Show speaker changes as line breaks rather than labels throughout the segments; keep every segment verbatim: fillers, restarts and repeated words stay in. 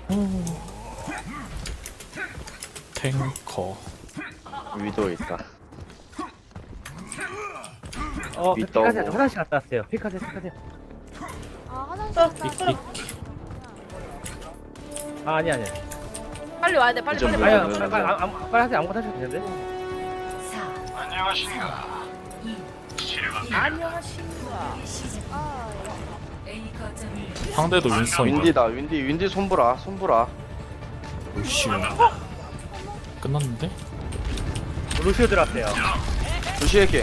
탱커.
위도 있다.
어,
윗
피카세요.
더블.
화장실 갔다 왔어요. 피카세요, 피카세요.
아 화장실 갔다
삑삑.
아, 아니, 아니.
빨리 와야 돼 빨리
이점
빨리
뭐야?
아니,
빨리
빨리, 빨리, 빨리, 아무- 빨리 하세요. 아무것도 하셔도 되는데.
안녕하십니까 아
상대도 윈스턴이다.
윈디다. 윈디 윈디 손보라. 손보라.
오씨. 끝났는데?
루시오 들어왔어요.
루시에게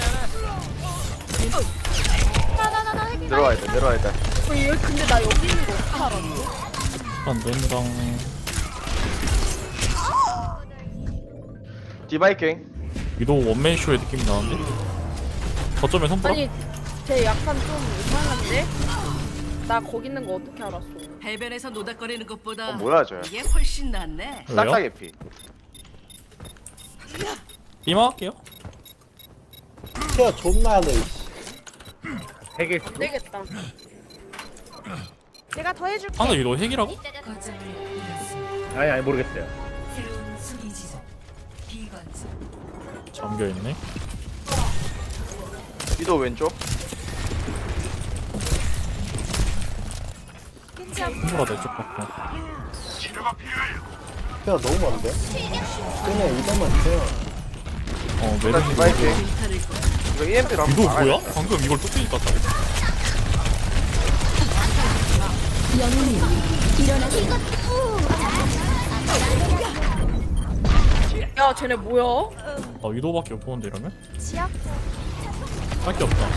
나나나나 해킹
내려와야 돼. 내려와야 돼.
어, 얘 근데 나 여기 있는 거 어떻게 알았지?
안 된당.
디바이킹.
위도 원맨 쇼의 느낌이 나는데? 거점에 손보라?
아니 쟤 약간 좀 이상한데? 나 거기 있는 거 어떻게 알았어?
해변에서 노닥거리는 것보다
어 뭐야 저?
이게 훨씬 낫네.
싹다
왜요?
개피.
이마할게요.
야 존나 하네.
되게
안 되겠다 내가 더 해줄게
상대 위도 핵이라고?
아니, 아니, 모르겠어요.
잠겨있네.
위도 왼쪽.
손보라 내쪽 받고.
야 너무 많은데? 그냥 이것만 주세요.
어,
일단
메르시.
디바이킹. 이거 이엠피로 한번
위도
막아야
뭐야?
돼.
방금 이걸 뚝배기 깠다고?
야 쟤네 뭐야?
아, 위도밖에 못 보는데 이러면?
치약?
할 게 없다.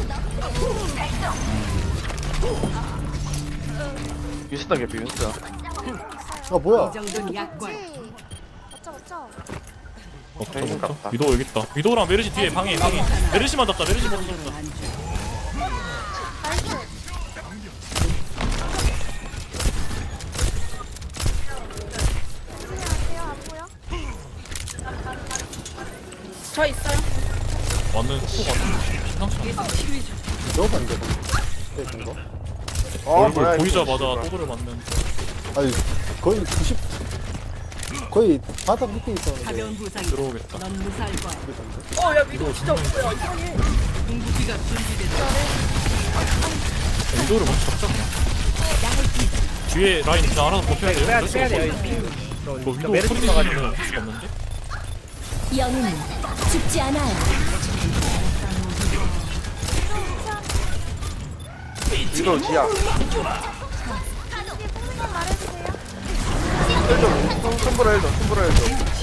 윈스턴 개피 윈스턴.
아 뭐야?
이 정도는 약관.
어쩌 어쩌
먹자,
핵인
먹자.
같다.
위도 여기 있다. 위도랑 메르시 뒤에 방해, 방해. 메르시만 잡자, 메르시만 잡자.
나이스 안녕하세요 안 보여? 저 있어요
완전 속도가 심상치 않아.
너무 안 돼. 네, 된 거?
어
얼굴
뭐야, 이거.
보이자마자 또그를 맞는.
아니 거의 구십 거의 바닥 밑에 있었는데.
가벼운 부상이
들어오겠다.
넌 무사할 거야.
어야 위도 진짜 뭐야 이상해
궁극기가 준비됐다.
위도를 먼저 잡자, 그냥. 뒤에 라인 그냥 알아서 버텨야 돼요.
빼야,
그럴 수가
빼야 돼요.
없어.
저,
뭐
저
위도
메르시
소리
있어가지고.
지르면 할 수가 없는데?
영웅은 죽지 않아요.
위도 지야.
말해주세요
힐좀 손보라 힐좀 손보라 힐좀.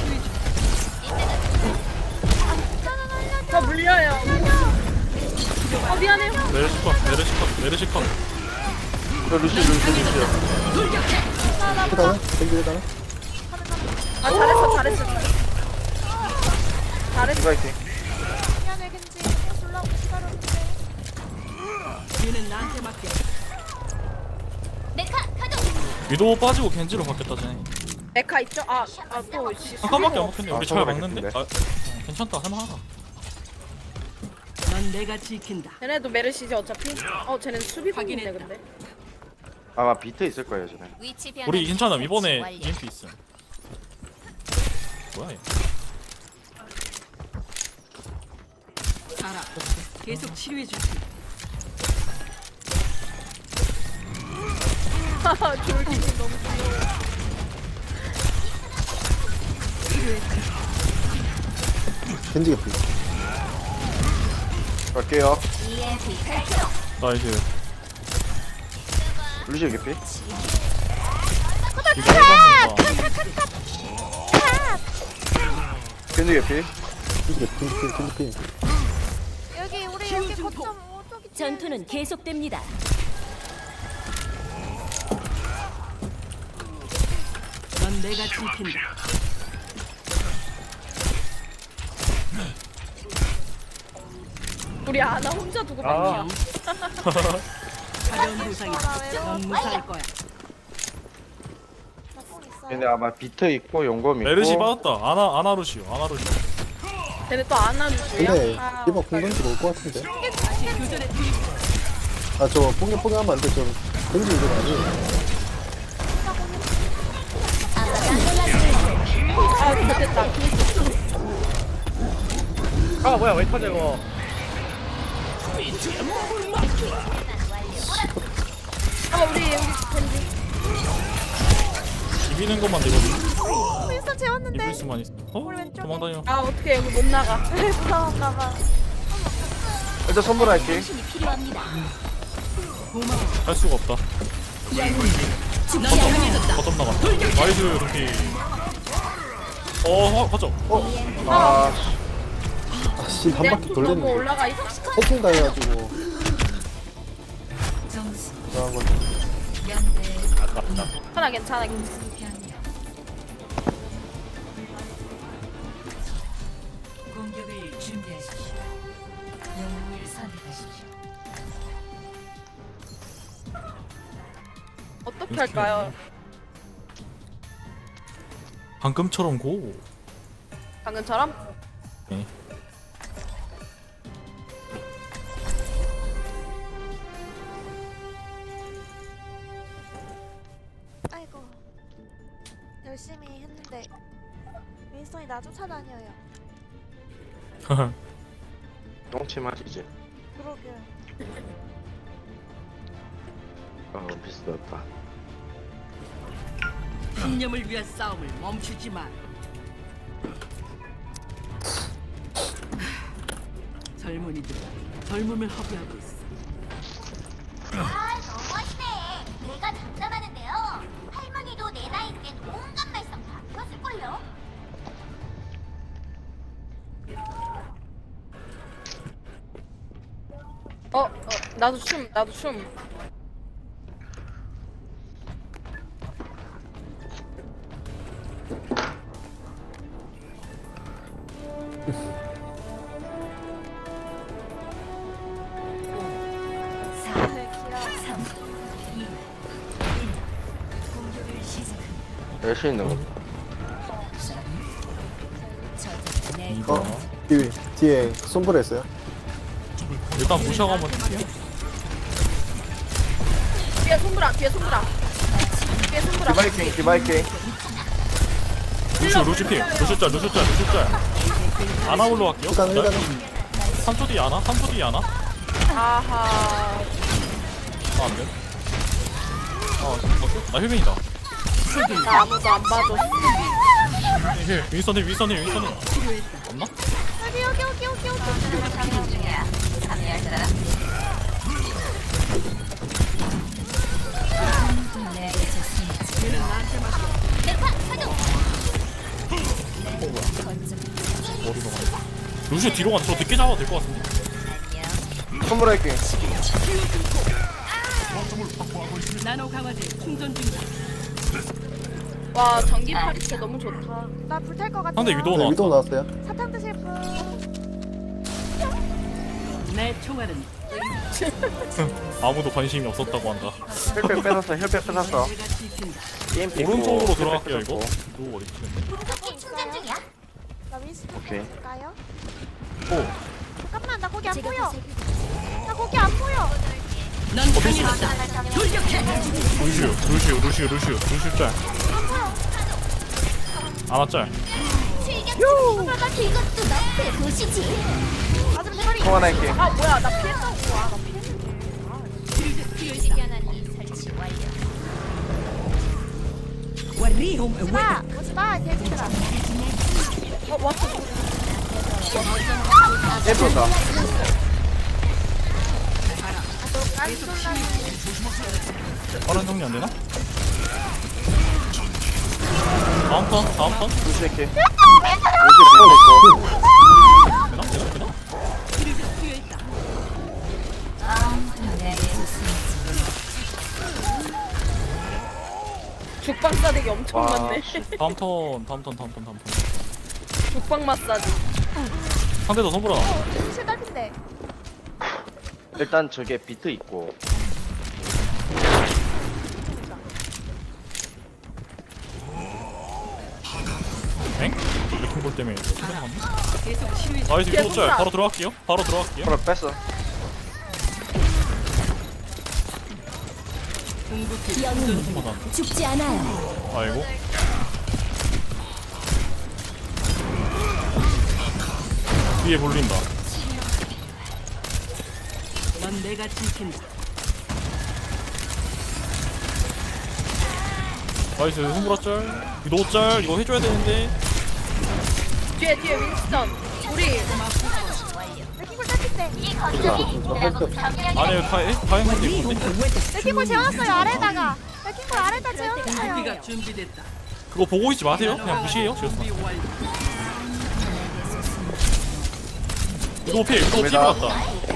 저 물려요 어 미안해요
메르시 컷, 메르시 컷, 메르시 컷.
저 루시 루시 루시.
그다음에 댕기 그다음에
아 잘했어 잘했어 잘했어
디바이킹.
미안해 겐지 졸라고 기다렸는데
뒤는 나한테 맡겨.
메카 가동.
위도 빠지고 겐지로 바뀌었다, 쟤네.
메카 있죠? 아아또
잠깐밖에 안 먹혔네.
아,
우리 잘
저거
막는데?
막혔는데?
아, 어, 괜찮다, 할만하다.
넌 내가 지킨다.
쟤네도 메르시지 어차피 어 쟤는 수비공인데
확인했다.
근데
아마 비트 있을 거예요 쟤네.
위치 변환.
우리 괜찮아. 이번에
완료.
이엠피 있음. 뭐야, 얘.
알아. 계속 치료해 줄게.
하하 졸기님 너무 귀여워
댕기 개피.
갈게요.
이엠피 발동.
나이스.
루시 개피.
이거 해봤는다.
겐지 개피.
댕기 개피. 댕기 개피. 댕기 개피.
여기 우리 여기 거점 어 저기
전투는 계속됩니다.
넌 내가 지킨다.
우리 아나 혼자 두고
아.
봤냐
가벼운 부상이다. 넌 무사할 거야.
얘네 아마 비트 있고 용검 있고.
메르시 받았다. 아나, 아나루시오, 아나루시오.
쟤네 또 안 하는데요?
근데
아,
이번 공던지로 올것 같은데.
다시 교전에 투입.
아 저 뽕개 뽕개 하면 안 돼. 저 댕기 이거 아니에요.
아 됐다.
아 뭐야 왜 터져 이거.
아 우리 여기 겐지.
비비는 것만 되거든.
윈스턴 재웠는데
이길 수만 있어. 어?
우리 왼쪽에.
도망다녀.
아 어떻게 여기 못 나가.
무서웠나봐.
일단 선물할게.
당신이 필요합니다.
할 수가 없다.
죽지 않아요.
거점 나가. 나이스 루피. 어, 거점.
아,
아씨 한
내가
바퀴
좀 너무
돌렸는데
올라가 있어.
해킹 당해가지고
점수
그런 건
연대
아깝다.
괜찮아 괜찮아 괜찮아.
공격을 준비하십시오. 영웅을 선택하십시오.
어떻게 할까요?
방금처럼 고.
방금처럼?
네.
아이고 열심히 했는데 윈스턴이 나 쫓아다녀요.
똥치 맛이지.
그러게.
아, 비슷하다.
신념을 위한 싸움을 멈추지 마. 젊은이들 젊음을 허비하고 있어.
아, 너무하시네. 내가 장담하는데요. 할머니도 내 나이 땐 온갖 말썽 다 들었을걸요.
어, 어 나도 춤 나도 춤.
열심히 있는 거.
이거.
어? 뒤, 뒤에 손불 했어요?
일단 무시하고 한번 할게요.
뒤에 손브라 뒤에 손브라. 뒤에 손브라.
디바이킹, 디바이킹.
루시오 루시피. 루시짤 루시짤 루시짤. 아나 올라갈게요.
일단 일단
삼 초 뒤에 아나? 삼 초 뒤에 아나?
아하.
아, 안 돼. 아, 잠깐만. 나 힐빈이다.
나 아무도 안 봐줘.
힐. 윈선힐, 윈선힐, 윈선힐. 없나?
여기 여기 여기 여기 여기.
머리 먹어. 루시오 뒤로 가. 저 늦게 잡아도 될 것 같은데.
선물할게.
나노 강화제 충전 중이다.
와 전기 파리채 너무 좋다.
나 불탈 것 같아.
상대 위도우
네,
나왔어.
위도 나왔어요?
사탕 드실 분.
내 총알은
아무도 관심이 없었다고 한다.
혈백 뺏었어, 혈백 뺏었어.
내가 지킨다.
게임 뺏고,
오른쪽으로
혈백
들어갈게요 이거.
뺏었고.
위도우 머리 치는데.
무섭게 충전 중이야.
나 윈스턴
오케이.
줄까요?
오.
잠깐만 나 거기 안
제가
보여.
보살펴
나 거기 안 보여.
넌 강해졌다. 돌격해.
루시오, 루시오, 루시오, 루시오, 루시오 짤. 아나 짤.
요! 나 이것도 너의 도시지.
맞으면 대가리.
소환할게.
아 뭐야 나 피했다고. 아나 피했는데.
와리홈
오지마 오지마 대지들아.
어 왔어.
예쁘다.
빠른 정리 안 되나? 다음 턴, 다음 턴.
루시 할게. 루시
되나? 되나? 되나?
죽방 싸대기 엄청
와,
많네.
다음 턴, 다음 턴, 다음 턴, 다음 턴.
죽방 마사지.
상대도 선보라.
실답인데.
일단 저게 비트 있고.
엥? 레킹볼 때문에 생각났네.
계속 치료해.
나이스
뒤에
위도 짤.
손사.
바로 들어갈게요. 바로 들어갈게요.
그럼 뺐어.
궁극기
영웅은
맞았는데?
죽지 않아요.
아이고. 뒤에 몰린다.
넌 내가 지킨다.
나이스 손보라 짤. 위도 짤 이거 해줘야 되는데.
뒤에 뒤에 윈스턴. 우리
레킹볼 딸핀데.
이 거점이 나보고 경력이
안에 다해 다해 한데 있는데.
레킹볼 재워놨어요 아래다가. 레킹볼 아래다 재워놨어요.
무기가 준비됐다.
그거 보고 있지 마세요. 그냥 무시해요. 지었어.
준비 완료.
위도 필 위도 필 같다.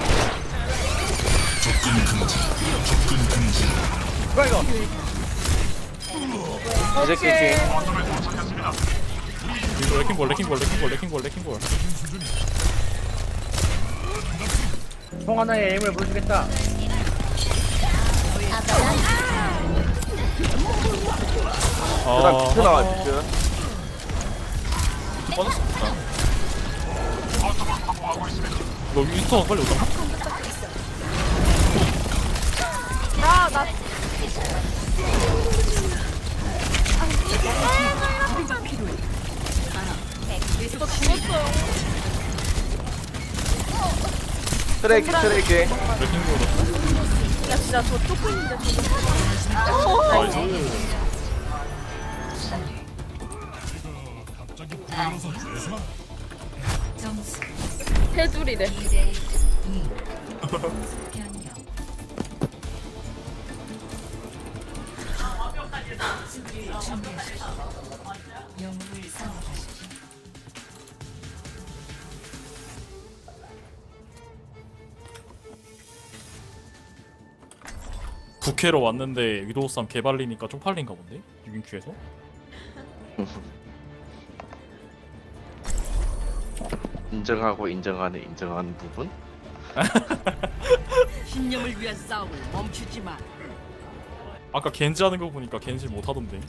뭐야 이거?
이 새끼 뒤에.
이거 레킹볼 레킹볼 레킹볼 레킹볼 레킹볼.
총 하나의 에임을 보여주겠다.
그다음
아
비트 나와 비트.
빠졌습니다. 이거 윈스턴 빨리 오자.
나 나. 이거 죽었어요.
트레이키 트레이키.
레킹볼.
야 진짜 저 쫓고 있는데 저거.
나이스.
해줄이래.
국회로 왔는데 위도우쌈 개발리니까 쪽팔린가 본데? 유빈큐에서?
인정하고 인정하는 인정하는 부분.
신념을 위한 싸움을 멈추지 마.
아까 겐지 하는 거 보니까 겐지 못하던데.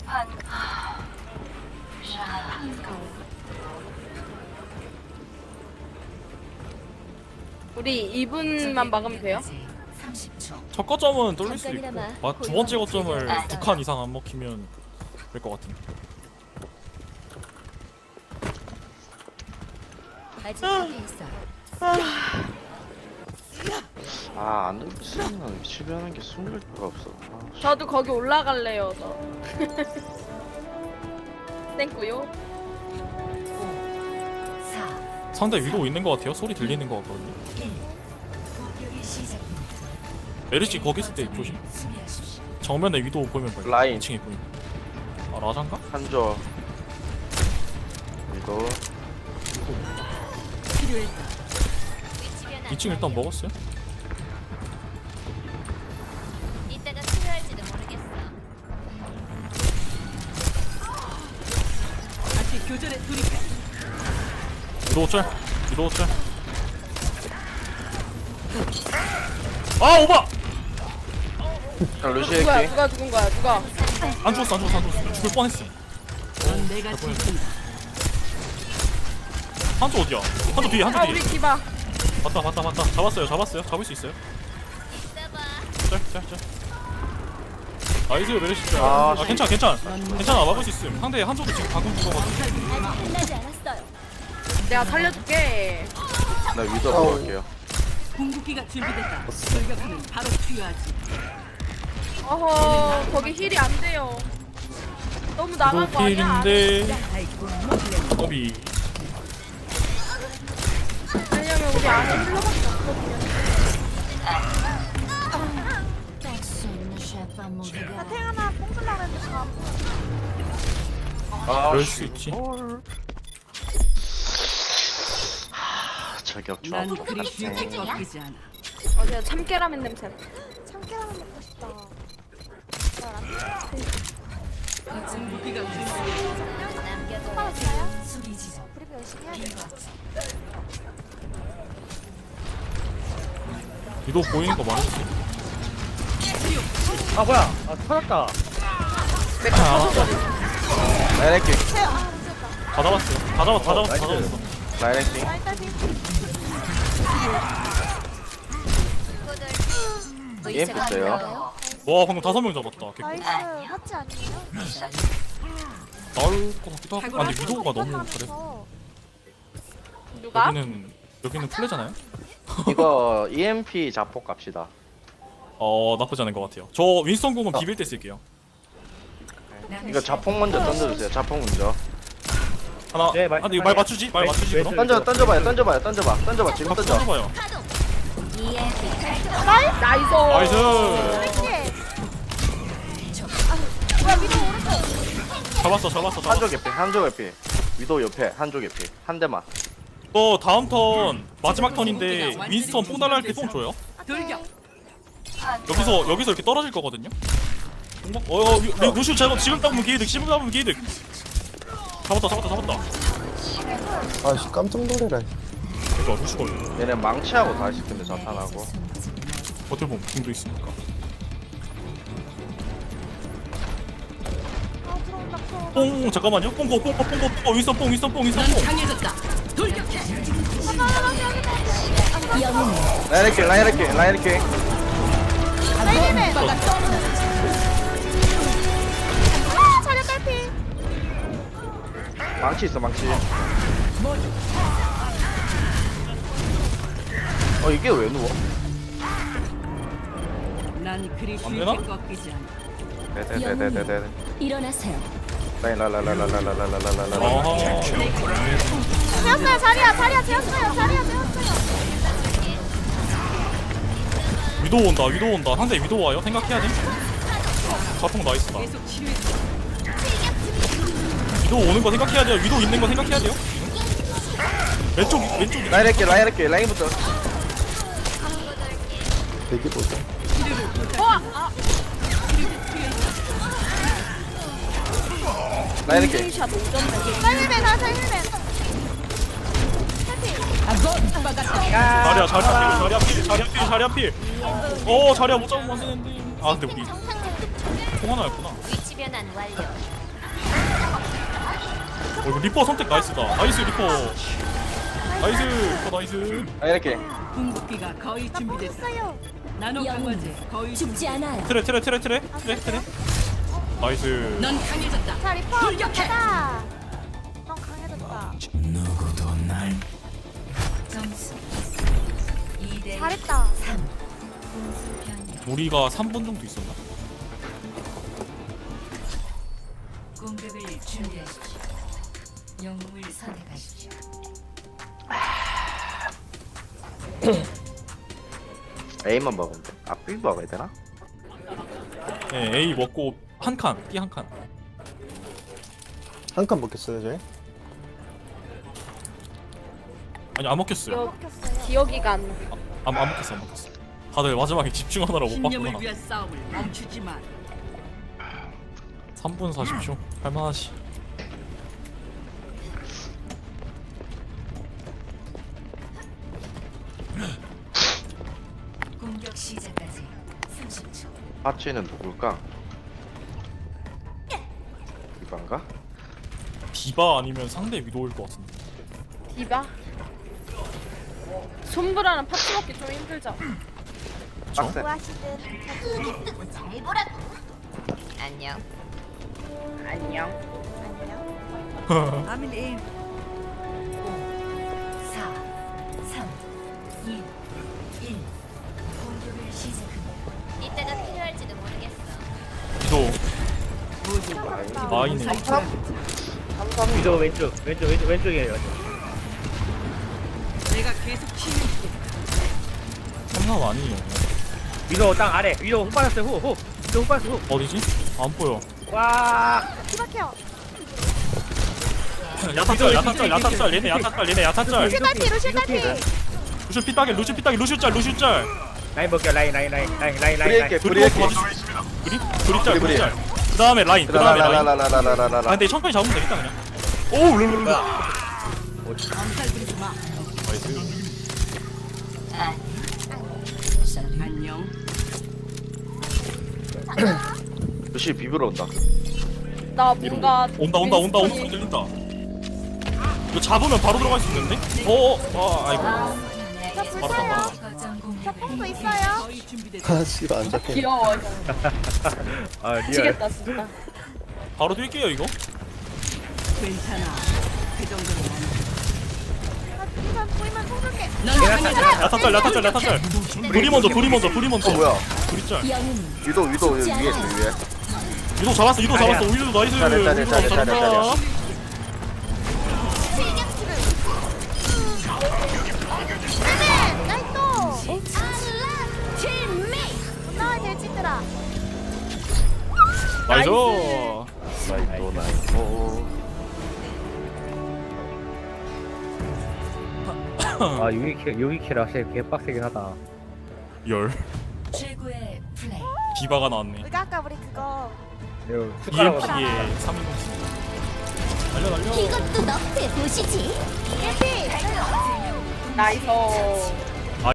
우리 이 분만 막으면 돼요?
첫 거점은 뚫릴 수 있고
잠깐이나마
마- 두 번째 거점을 두 칸 이상 안 먹히면 될 것 같은데.
아직 앞에 있어.
아안 미치겠나 미치겠는 게 숨길 데가 없어. 아, 씨.
저도 거기 올라갈래요. 저. 땡꾸요.
상대 위도 있는 것 같아요. 소리 들리는 것 같거든요. 메르시 거기 있을 때 조심. 정면에 위도 보이면 봐요.
라인.
이 층에 보이면. 아 라잔가?
한조. 이거
필요했다.
이 층 일단 먹었어요.
이따가 필요할지도 모르겠어.
다시 교전에 돌입해.
위도 짤. 위도 짤. 아 오바!
자 루시
누가
할게.
누가 죽은 거야? 누가?
안 죽었어 안 죽었어 안 죽었어. 죽을 뻔했어.
넌 내가 지킨다.
한조 어디야? 한조 뒤에 한조
아
뒤에.
우리 디바.
봤다 봤다 봤다. 잡았어요 잡았어요. 잡을 수 있어요. 짤짤짤. 나이스 메르시 짤.
아,
아 괜찮아 괜찮아. 괜찮아 막을 수 있음. 상대 한조도 지금 방금 죽어가지고.
아직 끝나지 않았어요.
내가 살려줄게.
나 위도 가볼게요.
궁극기가 준비됐다. 돌격하면 바로 투여하지.
어허 거기 힐이 안 돼요. 너무 나간 거 아니야?
필인데 어비.
왜냐면 우리 안에 힐러밖에 없거든요.
나 태어나 뽕슬라 그랬는데 다 안 보여.
아
그럴 수 있지.
저격
난
좋아.
그리 쉽게 꺾이지 않아.
어제 참깨라면 냄새.
참깨라면 먹고 싶다.
무기가 준비됐다.
똑바로 쳐요? 브리브 열심히 해야 돼.
위도 보이는 거 말해주세요.
아 뭐야? 아 터졌다.
맥주 터져버리.
라인 할게.
다 잡았어요. 다 잡았 다 잡았어 다
나이스.
잡았어.
라인 할게.
라인 딸피.
게임 됐어요.
와 방금 다섯 명 잡았다. 개꿀.
나이스. 하지 아니에요?
나올 것 같기도 하고. 아 근데 위도우가 너무 잘해.
하면서
누가?
여기는 여기는 플레잖아요?
이거 이엠피 자폭 갑시다.
어 나쁘지 않은 것 같아요. 저 윈스턴 궁은 비빌 때 쓸게요.
이거 자폭 먼저 던져주세요. 자폭 먼저.
하나.
네, 말-
아, 근데 이거 말 맞추지? 말
왼-
맞추지
왼쪽.
그럼?
던져 던져봐요. 던져봐요. 던져봐. 던져봐. 지금
던져.
던져.
던져봐요.
나이스.
나이스.
이게. 아, 뭐야 위도 오른쪽.
잡았어, 잡았어, 잡았어.
한쪽 에피. 한쪽 에피. 위도 옆에 한쪽 에피. 한 대만.
또 다음 턴 마지막 턴인데 윈스턴 뽕 달라 할때 뽕 줘요.
돌격.
여기서 여기서 이렇게 떨어질 거거든요. 뽕 먹- 어, 어, 루- 루시우 잡아. 지금 잡으면 기회득. 지금 잡으면 기회득. 잡았다, 잡았다, 잡았다.
아씨 깜짝 놀래라.
이거 루시 걸려.
얘네 망치하고 다 있을 텐데 자탄하고.
버틀봄 궁도 있으니까.
아 들어온다 들어온다.
뽕 잠깐만요. 뽕고 뽕고 뽕고 뽕고 윈스턴 뽕 윈스턴 뽕 윈스턴
넌
뽕.
강해졌다. 돌격해.
라이렉킹 라이렉킹 라이렉킹.
사이드맨. 아 자력 딸피.
망치 있어 망치. 어 이게 왜 누워?
난 그리
안
쉽게
되나?
꺾이지 않아.
네네네네네.
일어나세요.
라인 라라라라라라라라라라.
어허.
재웠어요 자리야 자리야 재웠어요 자리야 재웠어요.
위도 온다. 위도 온다. 상대 위도 와요. 생각해야 돼. 자폭 나이스다.
계속 치료해.
위도 오는 거 생각해야 돼요. 위도 있는 거 생각해야 돼요. 왼쪽 왼쪽.
라이렉킹 라이렉킹 라인부터.
대기 보자.
라이렉킹.
샷 오점
사이드맨 아 사이드맨.
자리야 자리야 필 자리야 필 자리야 필 자리야 필. 어 자리야 못 잡으면 안 되는데. 아 근데 우리 통 하나였구나.
위치 변환 완료.
어, 이거 리퍼 선택 나이스다. 나이스 리퍼. 나이스 리퍼 나이스.
라이렉킹.
궁극기가 거의 준비됐다.
했어요.
나노 강화제 거의
죽지 않아요.
트레 트레 트레 트레 트레 트레. 나이스.
넌 강해졌다.
자 리퍼
돌격해.
가자. 넌 강해졌다.
점수 이 대
잘했다.
우리가 삼 분 정도 있었나?
공격을 준비하십시오. 영웅을 선택하십시오.
A만 먹으면 돼. 아 B 먹어야 되나?
네 A 먹고 한 칸, B 한 칸.
한 칸 먹겠어요 저희?
아니 안 먹혔어요.
먹혔어요.
기억이가 안 나.
안, 안 먹혔어 안 먹혔어. 다들 마지막에 집중하느라 못
신념을
봤구나.
위한 싸움을 멈추지 마.
삼 분 사십 초 할만하지.
공격 시작까지 삼십 초.
파츠는 누굴까? 이반가?
디바 아니면 상대 위도일 것 같은데.
디바. 손브라는 파츠 먹기 좀 힘들죠.
빡세.
뭐하시든.
뜨고 잘 보라고. 안녕.
안녕.
안녕.
아민 인. 사, 삼, 이, 일. 공격을 시작합니다.
이따가 필요할지도 모르겠어.
위도 마이네.
위도 왼쪽 왼쪽 왼쪽 왼쪽이에요.
내가 계속 치유해.
삼삼 아니에요.
위도 땅 아래. 위도 훅 빠졌어요 훅 훅. 위도 훅 빠졌어 훅.
어디지? 안 보여.
와.
기박해요.
야타짤 야타짤 야타짤 얘네 야타짤 얘네 야타짤.
루시 딸피 루시 딸피.
루슈 삐딱이 루슈 삐딱이 루슈 짤 루슈 짤.
라인 볼게요 라인 라인 라인 라인 라인 라인.
브리에게
라인.
브리에게.
그리 그리 짤
브리,
그리 짤. 그 다음에 라인 그 다음에 라인. 아
라라라라라라라라.
근데 천천히 잡으면 되겠다 그냥. 오 룰루루.
엄살 부리지 마.
나이스.
안녕.
루시 비비러 온다.
나 뭔가
온다 온다 온다 온다 소리 들린다. 이거 잡으면 바로 들어갈 수 있는데? 어어 아 아이고.
저
바로
불사요.
가.
저 뽕도 있어요.
거의 준비됐다.
아 씨발 안 잡혀.
귀여워.
아 리얼.
미치겠다 진짜.
바로 뛸게요 이거.
괜찮아. 그 정도는
일단 보이면 쏘줄게.
야타짤 야타짤 야타짤. 불이 먼저 불이 먼저 불이 먼저.
어 뭐야?
불이 짤.
위도 위도 위에 있어 위에.
유도 잡았어 유도 잡았어. 유도 나이스.
잘해, 잘해,
유도
잘해,
잘한다.
잘해,
네, 나이스. 나와 돼지들아.
나이스.
나이도 나이도.
아 유이킬 유이킬 확실히 개빡세긴 하다.
열.
최고의 플레이.
디바가 나왔네.
우리가 아까 우리 그거
이거 숟가락으로
이엠피에 삼 인공. 날려 날려.
이것도 너프에 보시지.
일피.
나이스.